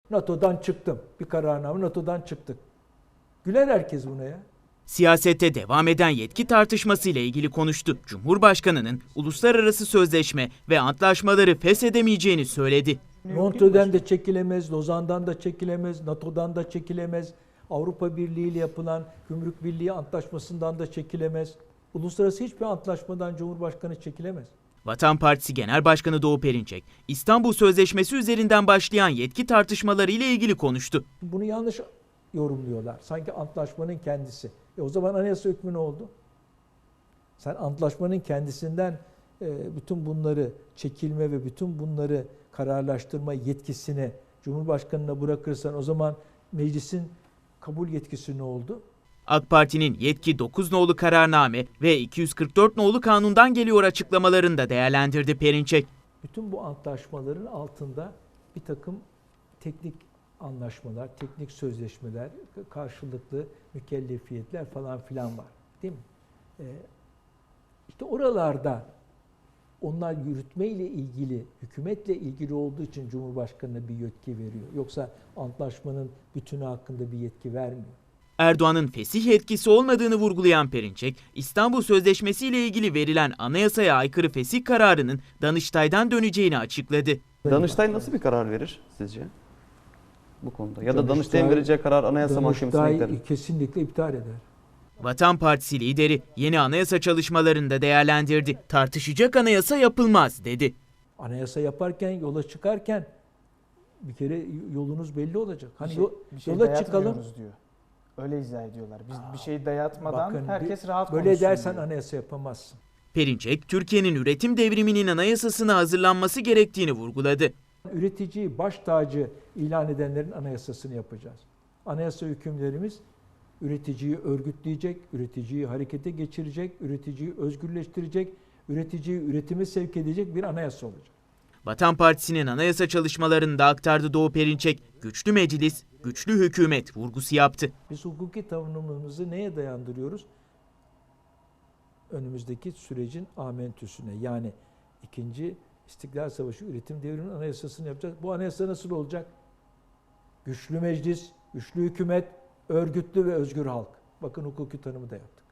NATO'dan çıktım. Bir kararname NATO'dan çıktık. Güler herkes buna ya. Siyasette devam eden yetki tartışmasıyla ilgili konuştu. Cumhurbaşkanının uluslararası sözleşme ve antlaşmaları feshedemeyeceğini söyledi. Montreux'den de çekilemez, Lozan'dan da çekilemez, NATO'dan da çekilemez, Avrupa Birliği ile yapılan Gümrük Birliği Antlaşması'ndan da çekilemez. Uluslararası hiçbir antlaşmadan Cumhurbaşkanı çekilemez. Vatan Partisi Genel Başkanı Doğu Perinçek, İstanbul Sözleşmesi üzerinden başlayan yetki tartışmaları ile ilgili konuştu. Bunu yanlış yorumluyorlar. Sanki antlaşmanın kendisi. O zaman anayasa hükmü ne oldu? Sen antlaşmanın kendisinden bütün bunları çekilme ve bütün bunları kararlaştırma yetkisini Cumhurbaşkanı'na bırakırsan o zaman meclisin kabul yetkisi ne oldu? AK Parti'nin yetki 9 nolu kararname ve 244 nolu kanundan geliyor açıklamalarını da değerlendirdi Perinçek. Bütün bu antlaşmaların altında bir takım teknik anlaşmalar, teknik sözleşmeler, karşılıklı mükellefiyetler falan filan var. Değil mi? İşte oralarda onlar yürütmeyle ilgili, hükümetle ilgili olduğu için Cumhurbaşkanı'na bir yetki veriyor. Yoksa antlaşmanın bütünü hakkında bir yetki vermiyor. Erdoğan'ın fesih yetkisi olmadığını vurgulayan Perinçek, İstanbul Sözleşmesi ile ilgili verilen anayasaya aykırı fesih kararının Danıştay'dan döneceğini açıkladı. Danıştay nasıl bir karar verir sizce bu konuda? Ya da Danıştay'ın vereceği karar Anayasa Mahkemesi'ne gider mi? Kesinlikle iptal eder. Vatan Partisi lideri yeni anayasa çalışmalarını da değerlendirdi. Tartışacak anayasa yapılmaz dedi. Anayasa yaparken, yola çıkarken bir kere yolunuz belli olacak. Hani bir şey yola çıkalım diyor. Öyle izah ediyorlar. Biz bir şey dayatmadan bakın, herkes rahat böyle konuşsun dersen diyor. anayasa yapamazsın. Perinçek, Türkiye'nin üretim devriminin anayasasına hazırlanması gerektiğini vurguladı. Üreticiyi baş tacı ilan edenlerin anayasasını yapacağız. Anayasa hükümlerimiz üreticiyi örgütleyecek, üreticiyi harekete geçirecek, üreticiyi özgürleştirecek, üreticiyi üretime sevk edecek bir anayasa olacak. Vatan Partisi'nin anayasa çalışmalarını da aktardı Doğu Perinçek. Güçlü meclis, güçlü hükümet vurgusu yaptı. Biz hukuki tanımımızı neye dayandırıyoruz? Önümüzdeki sürecin amentüsüne, yani 2. İstiklal Savaşı üretim devriminin anayasasını yapacağız. Bu anayasa nasıl olacak? Güçlü meclis, güçlü hükümet, örgütlü ve özgür halk. Bakın hukuki tanımı da yaptık.